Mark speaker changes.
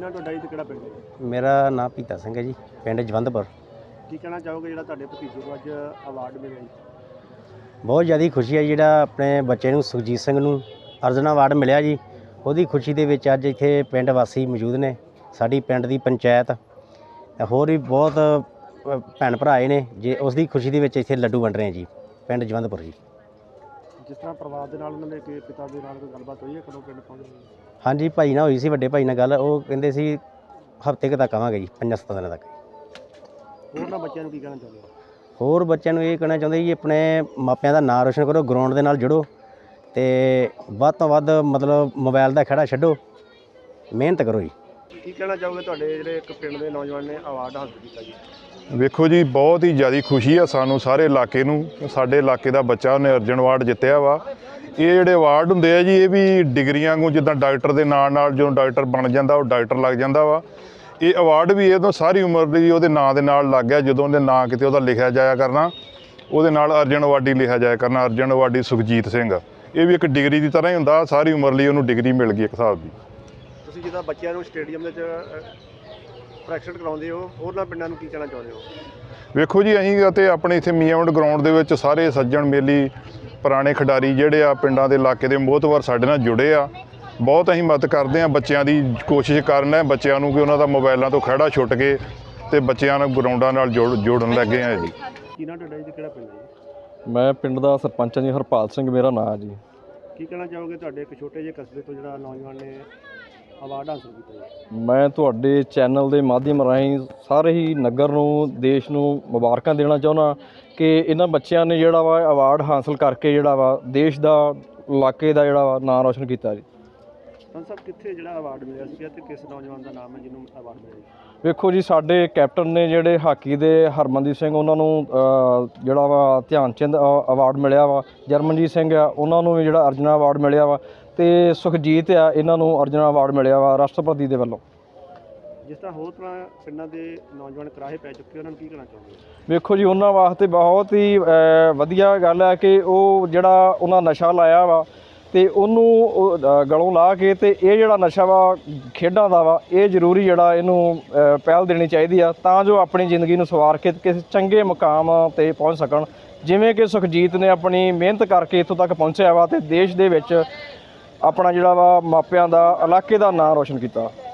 Speaker 1: ਨਾਂ ਤੁਹਾਡਾ ਜੀ ਤੇ ਕਿਹੜਾ ਪਿੰਡ ਹੈ?
Speaker 2: ਮੇਰਾ ਨਾਮ ਪੀਤਾ ਸਿੰਘ ਹੈ ਜੀ, ਪਿੰਡ ਜਵੰਦਪੁਰ।
Speaker 1: ਕੀ ਕਹਿਣਾ ਚਾਹੋਗੇ ਜਿਹੜਾ ਤੁਹਾਡੇ ਭਤੀਜੇ ਨੂੰ ਅੱਜ ਅਵਾਰਡ ਮਿਲਿਆ ਜੀ?
Speaker 2: ਬਹੁਤ ਜ਼ਿਆਦਾ ਖੁਸ਼ੀ ਹੈ ਜਿਹੜਾ ਆਪਣੇ ਬੱਚੇ ਨੂੰ ਸੁਖਜੀਤ ਸਿੰਘ ਨੂੰ ਅਰਜਨ ਅਵਾਰਡ ਮਿਲਿਆ ਜੀ। ਉਹਦੀ ਖੁਸ਼ੀ ਦੇ ਵਿੱਚ ਅੱਜ ਇੱਥੇ ਪਿੰਡ ਵਾਸੀ ਮੌਜੂਦ ਨੇ, ਸਾਡੀ ਪਿੰਡ ਦੀ ਪੰਚਾਇਤ, ਹੋਰ ਵੀ ਬਹੁਤ ਭੈਣ ਭਰਾ ਆਏ ਨੇ ਜੇ ਉਸ ਦੀ ਖੁਸ਼ੀ ਦੇ ਵਿੱਚ ਇੱਥੇ ਲੱਡੂ ਵੰਡ ਰਹੇ ਹਾਂ ਜੀ ਪਿੰਡ ਜਵੰਦਪੁਰ ਜੀ।
Speaker 1: ਜਿਸ ਤਰ੍ਹਾਂ ਪਰਿਵਾਰ ਦੇ ਨਾਲ ਉਹਨਾਂ ਦੇ ਪਿਤਾ ਦੇ ਨਾਲ ਕੋਈ ਗੱਲਬਾਤ ਹੋਈ ਹੈ ਕਦੋਂ ਪਿੰਡ ਪਹੁੰਚੇ?
Speaker 2: ਹਾਂਜੀ, ਭਾਈ ਨਾਲ ਹੋਈ ਸੀ, ਵੱਡੇ ਭਾਈ ਨਾਲ ਗੱਲ। ਉਹ ਕਹਿੰਦੇ ਸੀ ਹਫ਼ਤੇ ਕੁ ਤੱਕ ਆਵਾਂਗੇ ਜੀ, 5-7 ਦਿਨਾਂ ਤੱਕ।
Speaker 1: ਹੋਰ ਨਾ ਬੱਚਿਆਂ ਨੂੰ ਕੀ ਕਹਿਣਾ ਚਾਹੁੰਦੇ ਹੋ?
Speaker 2: ਹੋਰ ਬੱਚਿਆਂ ਨੂੰ ਇਹ ਕਹਿਣਾ ਚਾਹੁੰਦੇ ਜੀ ਆਪਣੇ ਮਾਪਿਆਂ ਦਾ ਨਾਂ ਰੋਸ਼ਨ ਕਰੋ, ਗਰਾਊਂਡ ਦੇ ਨਾਲ ਜੁੜੋ ਅਤੇ ਵੱਧ ਤੋਂ ਵੱਧ ਮਤਲਬ ਮੋਬਾਈਲ ਦਾ ਖਹਿੜਾ ਛੱਡੋ, ਮਿਹਨਤ ਕਰੋ ਜੀ।
Speaker 1: ਕੀ ਕਹਿਣਾ ਚਾਹੋਗੇ ਤੁਹਾਡੇ ਜਿਹੜੇ ਇੱਕ ਪਿੰਡ ਦੇ ਨੌਜਵਾਨ ਨੇ ਅਵਾਰਡ ਹਾਸਲ ਕੀਤਾ ਜੀ?
Speaker 3: ਵੇਖੋ ਜੀ, ਬਹੁਤ ਹੀ ਜ਼ਿਆਦਾ ਖੁਸ਼ੀ ਆ ਸਾਨੂੰ ਸਾਰੇ ਇਲਾਕੇ ਨੂੰ। ਸਾਡੇ ਇਲਾਕੇ ਦਾ ਬੱਚਾ ਉਹਨੇ ਅਰਜਨ ਅਵਾਰਡ ਜਿੱਤਿਆ ਵਾ। ਇਹ ਜਿਹੜੇ ਅਵਾਰਡ ਹੁੰਦੇ ਆ ਜੀ, ਇਹ ਵੀ ਡਿਗਰੀਆਂ ਵਾਂਗੂ, ਜਿੱਦਾਂ ਡਾਕਟਰ ਦੇ ਨਾਲ ਜਦੋਂ ਡਾਕਟਰ ਬਣ ਜਾਂਦਾ ਉਹ ਡਾਕਟਰ ਲੱਗ ਜਾਂਦਾ ਵਾ। ਇਹ ਅਵਾਰਡ ਵੀ ਇਹ ਤੋਂ ਸਾਰੀ ਉਮਰ ਲਈ ਉਹਦੇ ਨਾਂ ਦੇ ਨਾਲ ਲੱਗ ਗਿਆ। ਜਦੋਂ ਉਹਦੇ ਨਾਂ ਕਿਤੇ ਉਹਦਾ ਲਿਖਿਆ ਜਾਇਆ ਕਰਨਾ, ਉਹਦੇ ਨਾਲ ਅਰਜਨ ਅਵਾਰਡੀ ਲਿਖਿਆ ਜਾਇਆ ਕਰਨਾ, ਅਰਜਨ ਅਵਾਰਡੀ ਸੁਖਜੀਤ ਸਿੰਘ। ਇਹ ਵੀ ਇੱਕ ਡਿਗਰੀ ਦੀ ਤਰ੍ਹਾਂ ਹੀ ਹੁੰਦਾ, ਸਾਰੀ ਉਮਰ ਲਈ ਉਹਨੂੰ ਡਿਗਰੀ ਮਿਲ ਗਈ ਇੱਕ ਹਿਸਾਬ ਦੀ।
Speaker 1: ਤੁਸੀਂ ਜਿੱਦਾਂ ਬੱਚਿਆਂ ਨੂੰ ਸਟੇਡੀਅਮ ਦੇ ਵਿੱਚ ਪ੍ਰੈਕਟਿਸ ਕਰਾਉਂਦੇ ਹੋ, ਹੋਰਨਾਂ ਪਿੰਡਾਂ ਨੂੰ ਕੀ ਕਹਿਣਾ ਚਾਹੁੰਦੇ ਹੋ?
Speaker 3: ਵੇਖੋ ਜੀ, ਅਸੀਂ ਅਤੇ ਆਪਣੇ ਇੱਥੇ ਮੀਆਂਵਿੰਡ ਗਰਾਊਂਡ ਦੇ ਵਿੱਚ ਸਾਰੇ ਸੱਜਣ ਮੇਲੀ ਪੁਰਾਣੇ ਖਿਡਾਰੀ ਜਿਹੜੇ ਆ ਪਿੰਡਾਂ ਦੇ ਇਲਾਕੇ ਦੇ ਮੋਹਤਵਰ ਸਾਡੇ ਨਾਲ ਜੁੜੇ ਆ। ਬਹੁਤ ਅਸੀਂ ਮਦਦ ਕਰਦੇ ਹਾਂ, ਬੱਚਿਆਂ ਦੀ ਕੋਸ਼ਿਸ਼ ਕਰਨਾ ਬੱਚਿਆਂ ਨੂੰ ਕਿ ਉਹਨਾਂ ਦਾ ਮੋਬਾਈਲਾਂ ਤੋਂ ਖਹਿੜਾ ਛੁੱਟ ਕੇ ਅਤੇ ਬੱਚਿਆਂ ਨੂੰ ਗਰਾਊਂਡਾਂ ਨਾਲ ਜੋੜਨ ਲੱਗੇ ਹਾਂ ਜੀ।
Speaker 1: ਕੀ ਨਾਂ ਤੁਹਾਡਾ ਜੀ ਕਿਹੜਾ ਪਿੰਡ ਹੈ ਜੀ?
Speaker 4: ਮੈਂ ਪਿੰਡ ਦਾ ਸਰਪੰਚ ਹਾਂ ਜੀ, ਹਰਪਾਲ ਸਿੰਘ ਮੇਰਾ ਨਾਂ ਜੀ।
Speaker 1: ਕੀ ਕਹਿਣਾ ਚਾਹੋਗੇ ਤੁਹਾਡੇ ਇੱਕ ਛੋਟੇ ਜਿਹੇ ਕਸਬੇ ਤੋਂ ਜਿਹੜਾ ਨੌਜਵਾਨ ਨੇ ਅਵਾਰਡ ਹਾਸਲ ਕੀਤਾ ਜੀ?
Speaker 4: ਮੈਂ ਤੁਹਾਡੇ ਚੈਨਲ ਦੇ ਮਾਧਿਅਮ ਰਾਹੀਂ ਸਾਰੇ ਹੀ ਨਗਰ ਨੂੰ, ਦੇਸ਼ ਨੂੰ ਮੁਬਾਰਕਾਂ ਦੇਣਾ ਚਾਹੁੰਦਾ ਕਿ ਇਹਨਾਂ ਬੱਚਿਆਂ ਨੇ ਜਿਹੜਾ ਵਾ ਅਵਾਰਡ ਹਾਸਲ ਕਰਕੇ ਜਿਹੜਾ ਵਾ ਦੇਸ਼ ਦਾ, ਇਲਾਕੇ ਦਾ ਜਿਹੜਾ ਵਾ ਨਾਂ ਰੋਸ਼ਨ ਕੀਤਾ ਜੀ।
Speaker 1: ਤਾਂ ਸਭ ਕਿੱਥੇ ਜਿਹੜਾ ਅਵਾਰਡ ਮਿਲਿਆ ਸੀਗਾ ਤੇ ਕਿਸ ਨੌਜਵਾਨ ਦਾ ਨਾਮ ਹੈ ਜਿਹਨੂੰ ਅਵਾਰਡ ਮਿਲਿਆ ਜੀ?
Speaker 4: ਵੇਖੋ ਜੀ, ਸਾਡੇ ਕੈਪਟਨ ਨੇ ਜਿਹੜੇ ਹਾਕੀ ਦੇ ਹਰਮਨਦੀਪ ਸਿੰਘ, ਉਹਨਾਂ ਨੂੰ ਜਿਹੜਾ ਵਾ ਧਿਆਨ ਚੰਦ ਅਵਾਰਡ ਮਿਲਿਆ ਵਾ। ਜਰਮਨਜੀਤ ਸਿੰਘ ਆ, ਉਹਨਾਂ ਨੂੰ ਵੀ ਜਿਹੜਾ ਅਰਜਨਾ ਅਵਾਰਡ ਮਿਲਿਆ ਵਾ। ਅਤੇ ਸੁਖਜੀਤ ਆ, ਇਹਨਾਂ ਨੂੰ ਅਰਜਨਾ ਅਵਾਰਡ ਮਿਲਿਆ ਵਾ ਰਾਸ਼ਟਰਪਤੀ ਦੇ ਵੱਲੋਂ।
Speaker 1: ਜਿਸ ਤਰ੍ਹਾਂ ਹੋਰ ਤਰ੍ਹਾਂ ਪਿੰਡਾਂ ਦੇ ਨੌਜਵਾਨ ਕਰਾਹੇ ਪੈ ਚੁੱਕੇ, ਉਹਨਾਂ ਨੂੰ ਕੀ ਕਹਿਣਾ ਚਾਹੁੰਦੇ?
Speaker 4: ਵੇਖੋ ਜੀ, ਉਹਨਾਂ ਵਾਸਤੇ ਬਹੁਤ ਹੀ ਵਧੀਆ ਗੱਲ ਹੈ ਕਿ ਉਹ ਜਿਹੜਾ ਉਹਨਾਂ ਨਸ਼ਾ ਲਾਇਆ ਵਾ ਅਤੇ ਉਹਨੂੰ ਗਲੋਂ ਲਾ ਕੇ, ਅਤੇ ਇਹ ਜਿਹੜਾ ਨਸ਼ਾ ਵਾ ਖੇਡਾਂ ਦਾ ਵਾ, ਇਹ ਜ਼ਰੂਰੀ ਜਿਹੜਾ ਇਹਨੂੰ ਪਹਿਲ ਦੇਣੀ ਚਾਹੀਦੀ ਆ ਤਾਂ ਜੋ ਆਪਣੀ ਜ਼ਿੰਦਗੀ ਨੂੰ ਸਵਾਰ ਕੇ ਕਿਸੇ ਚੰਗੇ ਮੁਕਾਮ 'ਤੇ ਪਹੁੰਚ ਸਕਣ। ਜਿਵੇਂ ਕਿ ਸੁਖਜੀਤ ਨੇ ਆਪਣੀ ਮਿਹਨਤ ਕਰਕੇ ਇੱਥੋਂ ਤੱਕ ਪਹੁੰਚਿਆ ਵਾ ਅਤੇ ਦੇਸ਼ ਦੇ ਵਿੱਚ ਆਪਣਾ ਜਿਹੜਾ ਵਾ ਮਾਪਿਆਂ ਦਾ, ਇਲਾਕੇ ਦਾ ਨਾਂ ਰੋਸ਼ਨ ਕੀਤਾ।